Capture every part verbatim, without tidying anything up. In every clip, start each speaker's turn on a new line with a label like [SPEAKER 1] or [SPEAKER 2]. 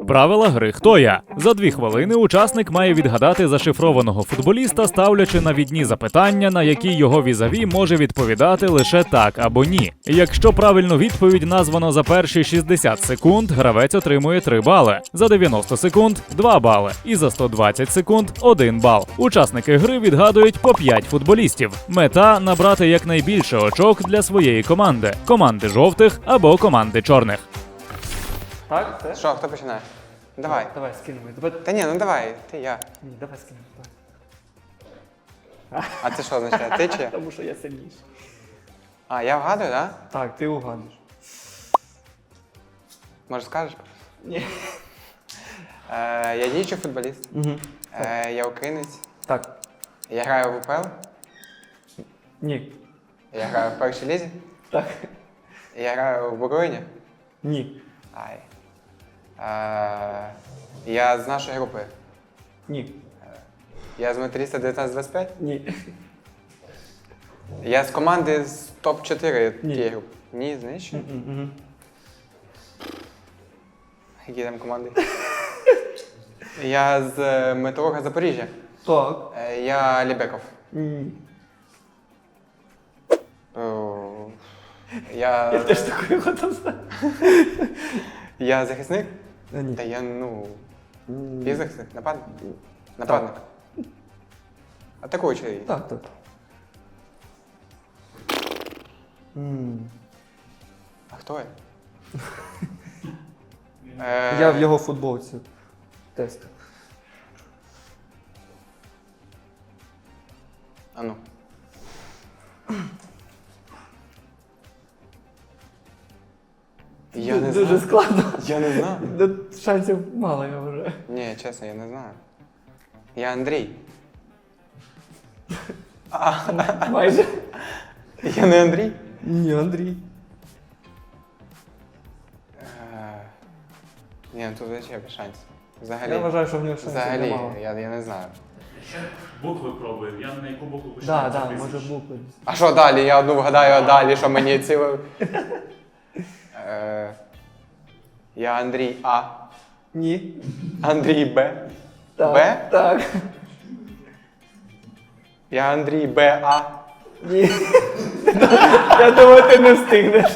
[SPEAKER 1] Правила гри «Хто я?». За дві хвилини учасник має відгадати зашифрованого футболіста, ставлячи навідні запитання, на які його візаві може відповідати лише так або ні. Якщо правильну відповідь названо за перші шістдесят секунд, гравець отримує три бали, за дев'яносто секунд – два бали і за сто двадцять секунд – один бал. Учасники гри відгадують по п'ять футболістів. Мета – набрати якнайбільше очок для своєї команди – команди жовтих або команди чорних.
[SPEAKER 2] Так, це?
[SPEAKER 3] Що, хто починає? Давай.
[SPEAKER 2] Давай, скинемо. Давай.
[SPEAKER 3] Та ні, ну давай, ти, я.
[SPEAKER 2] Ні, давай скинемо. Давай.
[SPEAKER 3] А це що означає? Ти чи я?
[SPEAKER 2] Тому що я сильніший.
[SPEAKER 3] А, я вгадую, так? Да?
[SPEAKER 2] Так, ти угадуєш.
[SPEAKER 3] Може скажеш?
[SPEAKER 2] Ні.
[SPEAKER 3] Е, я діючий футболіст.
[SPEAKER 2] Угу.
[SPEAKER 3] Е, я українець.
[SPEAKER 2] Так.
[SPEAKER 3] Я граю в УПЛ.
[SPEAKER 2] Ні.
[SPEAKER 3] Я граю в першій лізі.
[SPEAKER 2] Так.
[SPEAKER 3] Я граю в Буковині.
[SPEAKER 2] Ні.
[SPEAKER 3] Ай. Е, я з нашої групи.
[SPEAKER 2] Ні.
[SPEAKER 3] Я з металіста дев'ятнадцять двадцять п'ять.
[SPEAKER 2] Ні.
[SPEAKER 3] Я з команди з топ чотири
[SPEAKER 2] Ні.
[SPEAKER 3] тієї групи. Ні, знаєш що?
[SPEAKER 2] Угу.
[SPEAKER 3] Які там команди? Я з е, Металурга Запоріжжя.
[SPEAKER 2] Так.
[SPEAKER 3] Е, я Лібеков.
[SPEAKER 2] Ні.
[SPEAKER 3] О, я...
[SPEAKER 2] Я теж такою готов.
[SPEAKER 3] Я захисник?
[SPEAKER 2] Ні.
[SPEAKER 3] Та я, ну... Півзахисник? Нападник? Нападник. Атакуючий.
[SPEAKER 2] Так, так. М.
[SPEAKER 3] А хто я? Е,
[SPEAKER 2] Я в його футболці. Тест.
[SPEAKER 3] А ну. Я не
[SPEAKER 2] Дуже
[SPEAKER 3] знаю.
[SPEAKER 2] складно.
[SPEAKER 3] Я не знаю.
[SPEAKER 2] Да, шансів мало, я вважаю.
[SPEAKER 3] Ні, чесно, я не знаю. Я Андрій.
[SPEAKER 2] Майже.
[SPEAKER 3] Я не Андрій?
[SPEAKER 2] Ні, Андрій.
[SPEAKER 3] Е, Ні, ну тут взагалі без шансів. Взагалі.
[SPEAKER 2] Я вважаю, що в нього шансів
[SPEAKER 3] Взагалі,
[SPEAKER 2] немало.
[SPEAKER 3] я, я не знаю.
[SPEAKER 4] Ще букви пробуємо. Я на яку букву почну?
[SPEAKER 2] Так, так, може букви.
[SPEAKER 3] А що далі? Я одну вгадаю, а далі, що мені ціло. Е, я Андрій А.
[SPEAKER 2] Ні.
[SPEAKER 3] Андрій Б.
[SPEAKER 2] Так.
[SPEAKER 3] Б?
[SPEAKER 2] Так.
[SPEAKER 3] Я Андрій Б. А.
[SPEAKER 2] Ні. Я думаю, ти не встигнеш.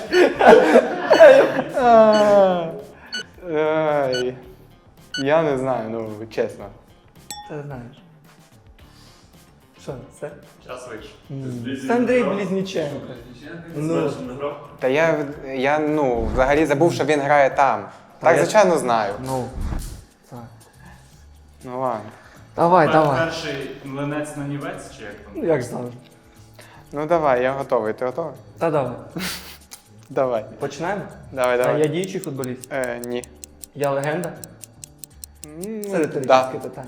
[SPEAKER 3] Ай. Я не знаю, ну чесно.
[SPEAKER 2] Ти знаєш. Що, це?
[SPEAKER 4] Час вийшов.
[SPEAKER 2] Це Андрій Близніченко. Ну.
[SPEAKER 3] Та я, я ну, взагалі забув, що він грає там. Так,
[SPEAKER 2] я-
[SPEAKER 3] звичайно, знаю.
[SPEAKER 2] Ну. Так.
[SPEAKER 3] Ну ладно.
[SPEAKER 2] Давай, давай.
[SPEAKER 4] Перший млинець на нівець, чи як там?
[SPEAKER 2] Ну, як завжди.
[SPEAKER 3] Ну давай, я готовий. Ти готовий?
[SPEAKER 2] Та давай.
[SPEAKER 3] Давай.
[SPEAKER 2] Починаємо?
[SPEAKER 3] Давай,
[SPEAKER 2] А
[SPEAKER 3] давай.
[SPEAKER 2] я діючий футболіст.
[SPEAKER 3] Е, ні.
[SPEAKER 2] Я легенда?
[SPEAKER 3] М,
[SPEAKER 2] Це риторичне
[SPEAKER 3] да.
[SPEAKER 2] питання.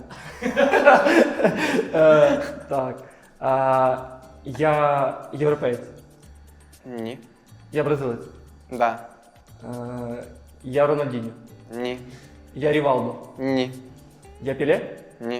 [SPEAKER 2] Е, Так. А, Я європеєць.
[SPEAKER 3] Ні.
[SPEAKER 2] Я бразилець.
[SPEAKER 3] Да.
[SPEAKER 2] Е, Я Рональдіньо.
[SPEAKER 3] Ні.
[SPEAKER 2] Я Рівалдо.
[SPEAKER 3] Ні.
[SPEAKER 2] Я Піле?
[SPEAKER 3] Ні.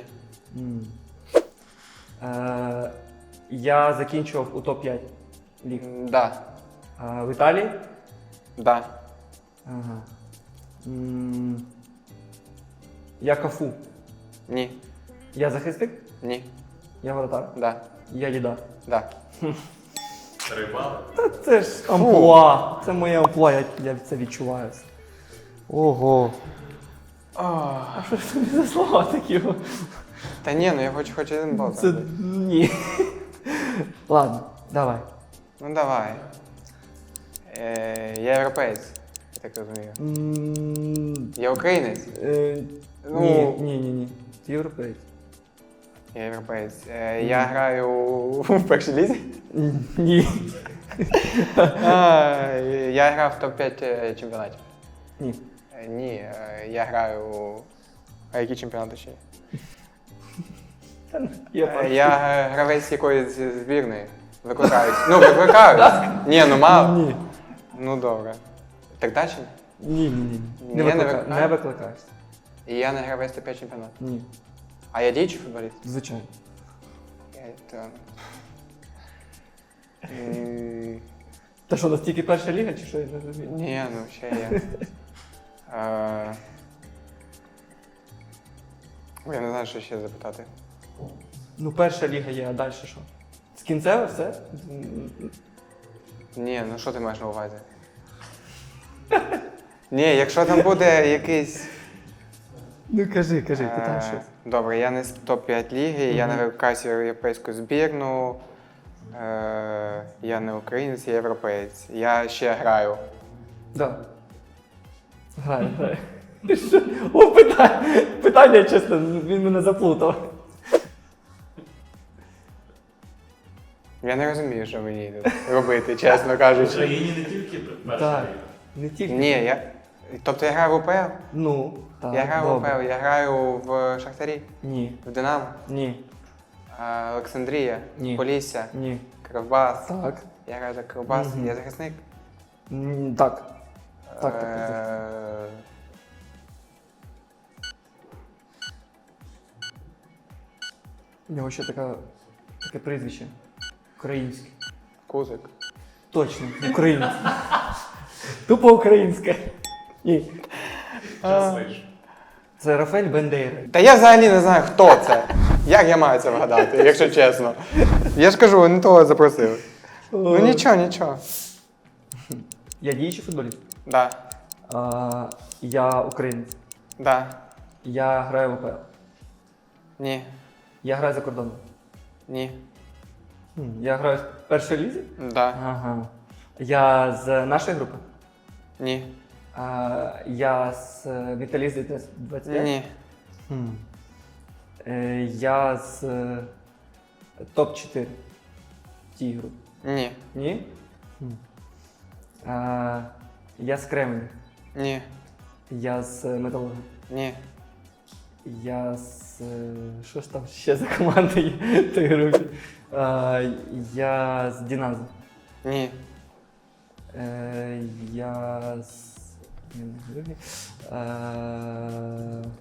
[SPEAKER 2] Е, Я закінчував у топ п'ять ліг.
[SPEAKER 3] Да.
[SPEAKER 2] Е, В Італії?
[SPEAKER 3] Да.
[SPEAKER 2] Ага. М, Я Кафу.
[SPEAKER 3] Ні.
[SPEAKER 2] Я захисник?
[SPEAKER 3] Ні.
[SPEAKER 2] Я воротар.
[SPEAKER 3] Да.
[SPEAKER 2] Я Діда.
[SPEAKER 3] Да.
[SPEAKER 4] Три бали.
[SPEAKER 2] Та це ж амплуа. Це моє амплуа, я, я це відчуваю. Ого. А що ж тобі за слова такі?
[SPEAKER 3] Та ні, ну я хочу хоч один бал.
[SPEAKER 2] Це
[SPEAKER 3] забити.
[SPEAKER 2] ні. Ладно, давай.
[SPEAKER 3] Ну давай. Е, я європеєць, я так розумію.
[SPEAKER 2] М,
[SPEAKER 3] Я українець.
[SPEAKER 2] е,
[SPEAKER 3] Ну.
[SPEAKER 2] Ні, ні, ні, ні. Ти європейець.
[SPEAKER 3] Я європеєць. Е, я граю в першій лізі.
[SPEAKER 2] Ні.
[SPEAKER 3] А, я грав в топ п'ять е, чемпіонатів.
[SPEAKER 2] Ні.
[SPEAKER 3] Е, Ні, е, я граю у... А які чемпіонати ще є?
[SPEAKER 2] Я
[SPEAKER 3] Е,
[SPEAKER 2] перший.
[SPEAKER 3] Я е, гравець якоїсь збірної. Викликаюсь. Ну, викликаюсь. Ні, ну мало.
[SPEAKER 2] Ні.
[SPEAKER 3] Ну добре. Так далі?
[SPEAKER 2] Ні, ні, ні.
[SPEAKER 3] Ні,
[SPEAKER 2] Не
[SPEAKER 3] не
[SPEAKER 2] викликаю.
[SPEAKER 3] викликаю.
[SPEAKER 2] Не викликаюсь.
[SPEAKER 3] І я не гравець топ п'ять чемпіонатів.
[SPEAKER 2] Ні.
[SPEAKER 3] А я діючий футболіст?
[SPEAKER 2] Звичайно.
[SPEAKER 3] Я то... М,
[SPEAKER 2] Та що, у нас тільки перша ліга, чи що я не розумію?
[SPEAKER 3] Ні, ну ще є. Е, Я не знаю, що ще запитати.
[SPEAKER 2] Ну, перша ліга є, а далі що? З кінцеве все?
[SPEAKER 3] Ні, ну що ти маєш на увазі? Ні, якщо там буде якийсь.
[SPEAKER 2] Ну кажи, кажи,
[SPEAKER 3] е,
[SPEAKER 2] питай щось.
[SPEAKER 3] Добре, я не з топ п'ять ліги, я не викликаюся в європейську збірну. Е, я не українець, я європеєць. Я ще граю.
[SPEAKER 2] Да. Граю, граю. Ти що? О, питання, питання, чесно, він мене заплутав.
[SPEAKER 3] Я не розумію, що мені тут робити, чесно
[SPEAKER 4] В
[SPEAKER 3] кажучи.
[SPEAKER 4] Україні не тільки перша
[SPEAKER 2] Так,
[SPEAKER 4] ліга.
[SPEAKER 2] не тільки.
[SPEAKER 3] Ні, я. Тобто я граю в УПЛ?
[SPEAKER 2] Ну, так,
[SPEAKER 3] Я граю в
[SPEAKER 2] добре.
[SPEAKER 3] УПЛ, я граю в Шахтарі,
[SPEAKER 2] Ні,
[SPEAKER 3] в Динамо,
[SPEAKER 2] ні,
[SPEAKER 3] е, Олександрія,
[SPEAKER 2] Ні.
[SPEAKER 3] Полісся,
[SPEAKER 2] ні.
[SPEAKER 3] Кривбас.
[SPEAKER 2] Так.
[SPEAKER 3] Я граю за Кривбас,
[SPEAKER 2] Мгм.
[SPEAKER 3] я захисник.
[SPEAKER 2] М, Так. Так, так, так.
[SPEAKER 3] Е,
[SPEAKER 2] У нього ще така, таке прізвище. Українське.
[SPEAKER 3] Кузик.
[SPEAKER 2] Точно, українське. Тупо українське. Ні.
[SPEAKER 4] Щаслиш.
[SPEAKER 2] Це Рафаель Бендейра.
[SPEAKER 3] Та я взагалі не знаю, хто це. Як я маю це вгадати, якщо чесно. Я ж кажу, не того запросили. Ну нічого, нічого.
[SPEAKER 2] Я діючий футболіст.
[SPEAKER 3] Да,
[SPEAKER 2] А, я українець.
[SPEAKER 3] да,
[SPEAKER 2] Я граю в АПЛ.
[SPEAKER 3] ні,
[SPEAKER 2] Я граю за кордоном.
[SPEAKER 3] ні,
[SPEAKER 2] Хм, Я граю в першій лізі?
[SPEAKER 3] да,
[SPEAKER 2] Ага. Я з нашої групи.
[SPEAKER 3] ні,
[SPEAKER 2] А, я з е, Віталізі двадцять п'ять.
[SPEAKER 3] ні,
[SPEAKER 2] Хм. Е, я з е, топ чотири тій групі.
[SPEAKER 3] ні,
[SPEAKER 2] Ні? Хм. А, я з Кременя.
[SPEAKER 3] ні,
[SPEAKER 2] Я з е, Металурга.
[SPEAKER 3] ні,
[SPEAKER 2] Я з. е, Що ж там ще за команда є в тій групі? А, я з Діназо.
[SPEAKER 3] ні,
[SPEAKER 2] Е, я з. Ні, не Георгій. Е,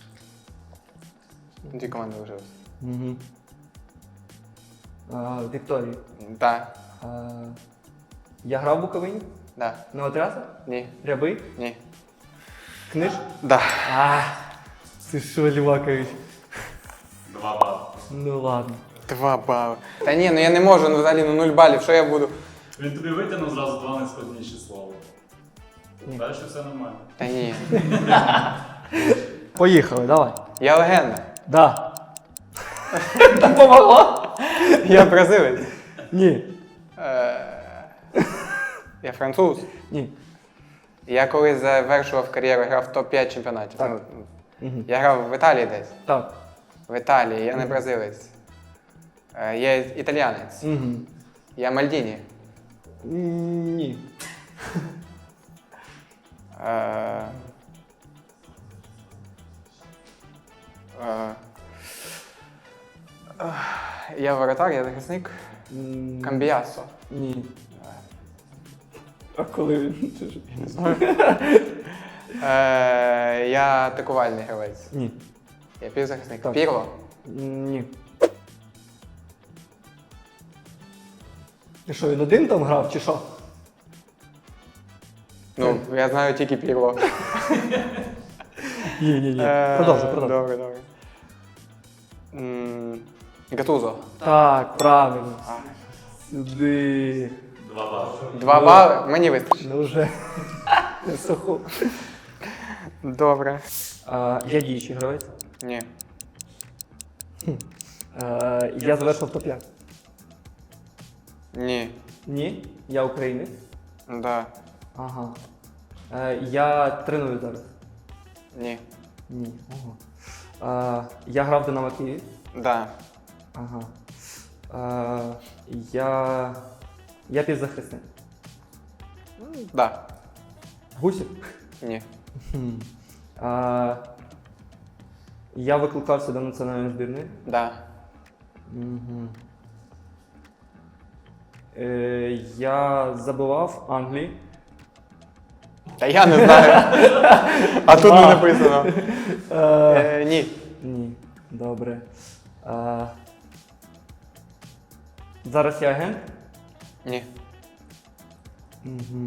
[SPEAKER 3] дві команди лишилось.
[SPEAKER 2] Мгм. А, Вікторії.
[SPEAKER 3] Да,
[SPEAKER 2] А, я грав в Буковині?
[SPEAKER 3] да,
[SPEAKER 2] Новотряса?
[SPEAKER 3] ні,
[SPEAKER 2] Рябий?
[SPEAKER 3] ні,
[SPEAKER 2] Книж?
[SPEAKER 3] да.
[SPEAKER 2] А, ти що, Лівакович?
[SPEAKER 4] Два бали.
[SPEAKER 2] Ну ладно.
[SPEAKER 3] Два бали. Та ні, ну я не можу, ну взагалі ну нуль балів, що я буду?
[SPEAKER 4] Він тобі витягнув зразу два найскладніші слова.
[SPEAKER 2] Ні.
[SPEAKER 4] Далі все нормально.
[SPEAKER 3] Та ні.
[SPEAKER 2] Поїхали, давай.
[SPEAKER 3] Я легенда.
[SPEAKER 2] Да. Так помогло?
[SPEAKER 3] Я бразилець.
[SPEAKER 2] Ні.
[SPEAKER 3] Е, Я француз.
[SPEAKER 2] Ні.
[SPEAKER 3] Я коли завершував кар'єру, грав в топ п'ять чемпіонатів.
[SPEAKER 2] Так.
[SPEAKER 3] Ну,
[SPEAKER 2] Угу.
[SPEAKER 3] я грав в Італії десь.
[SPEAKER 2] Так.
[SPEAKER 3] В Італії, я не бразилець. Е, Я італіянець.
[SPEAKER 2] Угу.
[SPEAKER 3] Я Мальдіні.
[SPEAKER 2] Ні.
[SPEAKER 3] Е, е, е, Я воротар, я захисник.
[SPEAKER 2] М,
[SPEAKER 3] Камбіасо.
[SPEAKER 2] Ні. А коли він? Це ж-
[SPEAKER 3] Е, Я атакувальний гравець.
[SPEAKER 2] Ні.
[SPEAKER 3] Я півзахисник.
[SPEAKER 2] Так.
[SPEAKER 3] Пірло.
[SPEAKER 2] Ні. Ти що, він один там грав, чи що?
[SPEAKER 3] Ну, я знаю тільки Пірло.
[SPEAKER 2] Ні, ні, ні.
[SPEAKER 3] Е,
[SPEAKER 2] Продовжуй, продовжуй.
[SPEAKER 3] Добре, добре. М, Гатузо.
[SPEAKER 2] Так, правильно. Сюди.
[SPEAKER 4] Два бали.
[SPEAKER 3] Два
[SPEAKER 2] Ну.
[SPEAKER 3] бали, мені вистачить.
[SPEAKER 2] Ну вже. Не суху.
[SPEAKER 3] Добре.
[SPEAKER 2] А, я діючий гравець.
[SPEAKER 3] Ні.
[SPEAKER 2] А, я завершив топ п'ять.
[SPEAKER 3] Ні.
[SPEAKER 2] Ні. Я українець.
[SPEAKER 3] Да.
[SPEAKER 2] Ага. Е, я треную зараз.
[SPEAKER 3] Ні.
[SPEAKER 2] Ні. Ого. А, я грав в Динамо Київ.
[SPEAKER 3] Да.
[SPEAKER 2] Ага. А, я. Я півзахисник.
[SPEAKER 3] Да.
[SPEAKER 2] Гусів.
[SPEAKER 3] Ні.
[SPEAKER 2] Хм. А, я викликався до національної збірної.
[SPEAKER 3] Да.
[SPEAKER 2] Угу. Е, я забивав Англії.
[SPEAKER 3] Та я не знаю. А тут не написано.
[SPEAKER 2] Е,
[SPEAKER 3] Е, Ні.
[SPEAKER 2] ні. Добре. А, зараз я агент.
[SPEAKER 3] Ні.
[SPEAKER 2] Угу.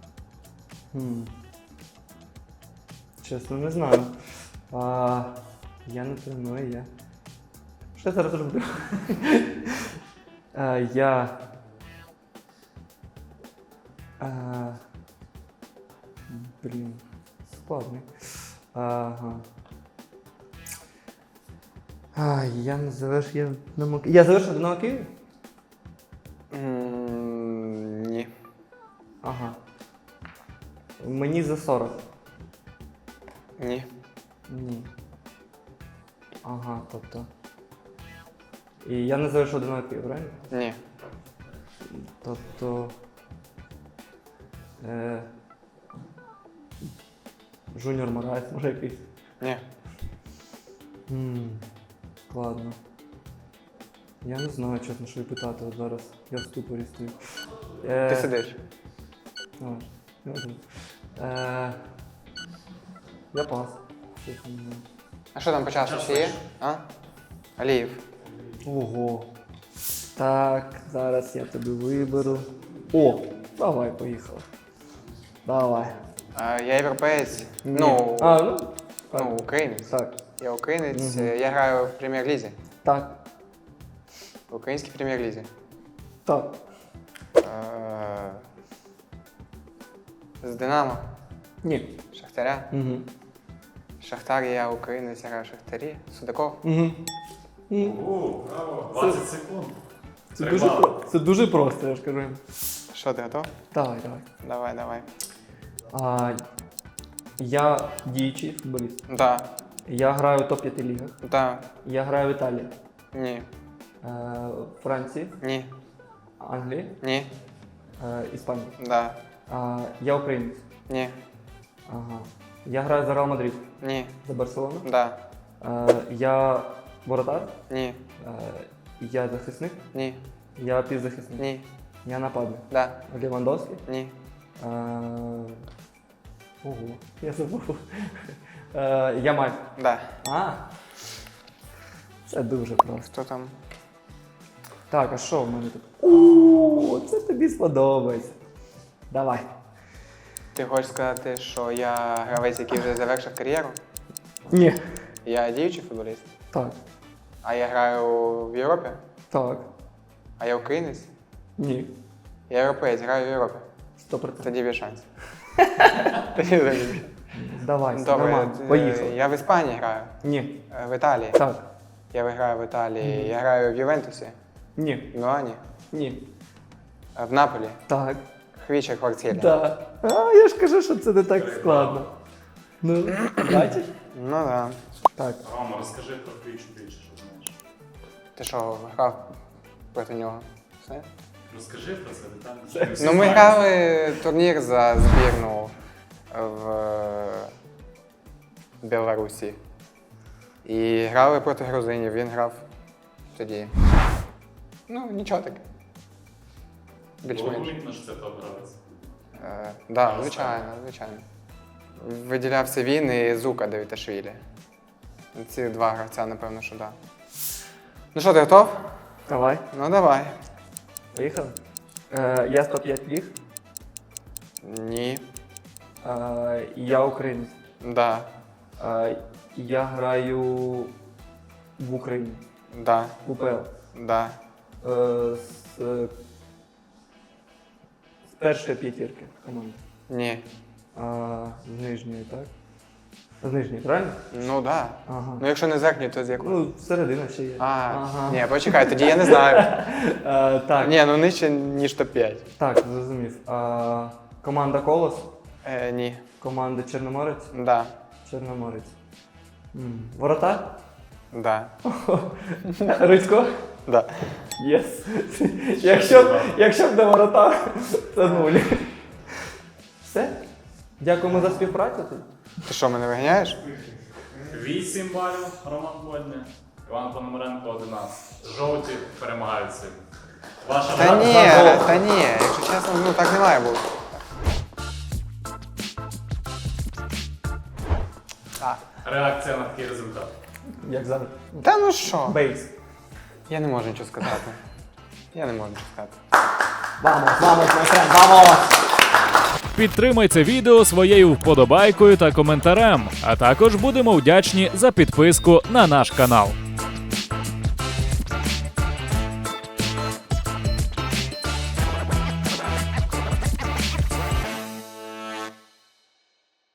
[SPEAKER 2] Хм. Чесно, не знаю. А, Я не треную, я. Що я зараз роблю? Е, Я. Е, Блін, складний. Ага. А, я не завершив, я не мог... Я завершив Динамо Київ?
[SPEAKER 3] М, Ні.
[SPEAKER 2] Ага. Мені за сорок.
[SPEAKER 3] Ні.
[SPEAKER 2] Ні. Ага, тобто. І я не завершив Динамо Київ, правильно?
[SPEAKER 3] Ні.
[SPEAKER 2] Тобто. Е... Жуніор Мораєс, може якийсь.
[SPEAKER 3] Ні.
[SPEAKER 2] Ммм, складно. Я не знаю, чесно, що і питати от зараз. Я в ступорі стою. Е...
[SPEAKER 3] Ти сидиш.
[SPEAKER 2] А, я один. Е... Я пас. Чесно, не знаю.
[SPEAKER 3] А що там по часу ще є? А? Аліїв.
[SPEAKER 2] Ого. Так, зараз я тобі виберу. О, давай, поїхали. Давай.
[SPEAKER 3] А, я європеєць.
[SPEAKER 2] Ні.
[SPEAKER 3] Ну,
[SPEAKER 2] а, ну, так.
[SPEAKER 3] ну, українець.
[SPEAKER 2] Так.
[SPEAKER 3] Я українець,
[SPEAKER 2] Мгм.
[SPEAKER 3] я граю в прем'єр-лізі.
[SPEAKER 2] Так.
[SPEAKER 3] В українській прем'єр-лізі.
[SPEAKER 2] Так.
[SPEAKER 3] Е, З Динамо.
[SPEAKER 2] Ні.
[SPEAKER 3] Шахтаря.
[SPEAKER 2] Угу.
[SPEAKER 3] Шахтар, я українець, я граю в Шахтарі. Судаков.
[SPEAKER 2] Угу.
[SPEAKER 4] О, браво. двадцять секунд.
[SPEAKER 2] Це
[SPEAKER 4] Три
[SPEAKER 2] дуже,
[SPEAKER 4] бали.
[SPEAKER 2] про... Це дуже просто, я ж кажу.
[SPEAKER 3] Що, ти готов?
[SPEAKER 2] Давай, давай.
[SPEAKER 3] Давай, давай.
[SPEAKER 2] А, я діючий футболіст.
[SPEAKER 3] Да.
[SPEAKER 2] Я граю в топ п'ять лігах.
[SPEAKER 3] Да.
[SPEAKER 2] Я граю в Італії,
[SPEAKER 3] Ні.
[SPEAKER 2] е, Франції,
[SPEAKER 3] Ні.
[SPEAKER 2] Англії,
[SPEAKER 3] Ні.
[SPEAKER 2] е, Іспанії.
[SPEAKER 3] Да.
[SPEAKER 2] А, я українець.
[SPEAKER 3] Ні.
[SPEAKER 2] Ага. Я граю за Реал Мадрид,
[SPEAKER 3] Ні.
[SPEAKER 2] за Барселону.
[SPEAKER 3] Да.
[SPEAKER 2] Е, я воротар,
[SPEAKER 3] Ні.
[SPEAKER 2] е, я захисник,
[SPEAKER 3] Ні.
[SPEAKER 2] я півзахисник.
[SPEAKER 3] Ні.
[SPEAKER 2] Я нападник.
[SPEAKER 3] Да.
[SPEAKER 2] Лівандовський.
[SPEAKER 3] Ні.
[SPEAKER 2] Е, ого, я забув. Е, я Майк.
[SPEAKER 3] Да.
[SPEAKER 2] А. Це дуже просто.
[SPEAKER 3] Хто там?
[SPEAKER 2] Так, а що в мене тут? О, це тобі сподобається. Давай.
[SPEAKER 3] Ти хочеш сказати, що я гравець, який вже завершив кар'єру?
[SPEAKER 2] Ні.
[SPEAKER 3] Я діючий футболіст.
[SPEAKER 2] Так.
[SPEAKER 3] А я граю в Європі?
[SPEAKER 2] Так.
[SPEAKER 3] А я українець?
[SPEAKER 2] Ні.
[SPEAKER 3] Я європеєць, граю в Європі.
[SPEAKER 2] Сто процентів.
[SPEAKER 3] Тоді без шансів. Тоді без шансів.
[SPEAKER 2] Давай,
[SPEAKER 3] Добре,
[SPEAKER 2] нормально.
[SPEAKER 3] е,
[SPEAKER 2] Поїхали.
[SPEAKER 3] я в Іспанії граю,
[SPEAKER 2] Ні.
[SPEAKER 3] е, в Італії.
[SPEAKER 2] Так.
[SPEAKER 3] Я граю в Італії, я граю в Ювентусі,
[SPEAKER 2] Ні.
[SPEAKER 3] в Мілані,
[SPEAKER 2] Ні.
[SPEAKER 3] е, в Наполі,
[SPEAKER 2] Так.
[SPEAKER 3] Хвіча, Квартирі.
[SPEAKER 2] Так. А, я ж кажу, що це не так складно. Ну, бачиш?
[SPEAKER 3] Ну так. Да.
[SPEAKER 2] Так.
[SPEAKER 4] Рома, розкажи про Хвічу більше, що знаєш.
[SPEAKER 3] Ти що, грав проти нього? Все?
[SPEAKER 4] Розкажи про це детально.
[SPEAKER 3] Ну ми грали турнір за збірну в е, Білорусі. І грали проти грузинів, він грав тоді. Ну, нічого таке.
[SPEAKER 4] Було
[SPEAKER 3] Більш-менш.
[SPEAKER 4] помітно, що це топ-гравець.
[SPEAKER 3] Так, да, звичайно, звичайно. Виділявся він і Зука Давіташвілі. Ці два гравця, напевно, що так. Да. Ну що, ти готов?
[SPEAKER 2] Давай.
[SPEAKER 3] Ну давай.
[SPEAKER 2] Поїхали. Е, я сто п'ять ліг.
[SPEAKER 3] Ні.
[SPEAKER 2] Е, я українець.
[SPEAKER 3] Да.
[SPEAKER 2] Е, я граю в Україні.
[SPEAKER 3] Да.
[SPEAKER 2] В УПЛ.
[SPEAKER 3] Да.
[SPEAKER 2] Е, з, е, з першої п'ятірки команди.
[SPEAKER 3] Ні.
[SPEAKER 2] А, з нижньої, так? З нижньої, правильно?
[SPEAKER 3] Ну да.
[SPEAKER 2] Ага.
[SPEAKER 3] Ну якщо не з верхньої, то з якої?
[SPEAKER 2] Ну, середина ще є.
[SPEAKER 3] А,
[SPEAKER 2] Ага.
[SPEAKER 3] ні, почекай, тоді я не знаю.
[SPEAKER 2] Е, так,
[SPEAKER 3] Ні, ну нижче, ніж топ п'ять.
[SPEAKER 2] так, зрозумів. А, команда Колос,
[SPEAKER 3] Е, ні.
[SPEAKER 2] команда Чорноморець,
[SPEAKER 3] Да.
[SPEAKER 2] Чорноморець. М, Воротар?
[SPEAKER 3] Да.
[SPEAKER 2] Рицько?
[SPEAKER 3] Да.
[SPEAKER 2] Єс. Якщо, б- якщо б не воротар, це нуль. Все? Дякуємо за співпрацю. тоді.
[SPEAKER 3] Ти що, мене виганяєш?
[SPEAKER 4] Вісім балів Роман Вольний, Іван Пономаренко одинадцять. Жовті перемагають сьогодні. Ваша
[SPEAKER 3] Та
[SPEAKER 4] гра-
[SPEAKER 3] ні,
[SPEAKER 2] за гол.
[SPEAKER 3] та ні, якщо чесно, ну так не має бути. А.
[SPEAKER 4] реакція на такий результат.
[SPEAKER 2] Як завжди.
[SPEAKER 3] Та ну що?
[SPEAKER 2] Бейс.
[SPEAKER 3] Я не можу нічого сказати. Я не можу нічого сказати.
[SPEAKER 2] Vamos, vamos, my friend, vamos!
[SPEAKER 1] Підтримай це відео своєю вподобайкою та коментарем, а також будемо вдячні за підписку на наш канал.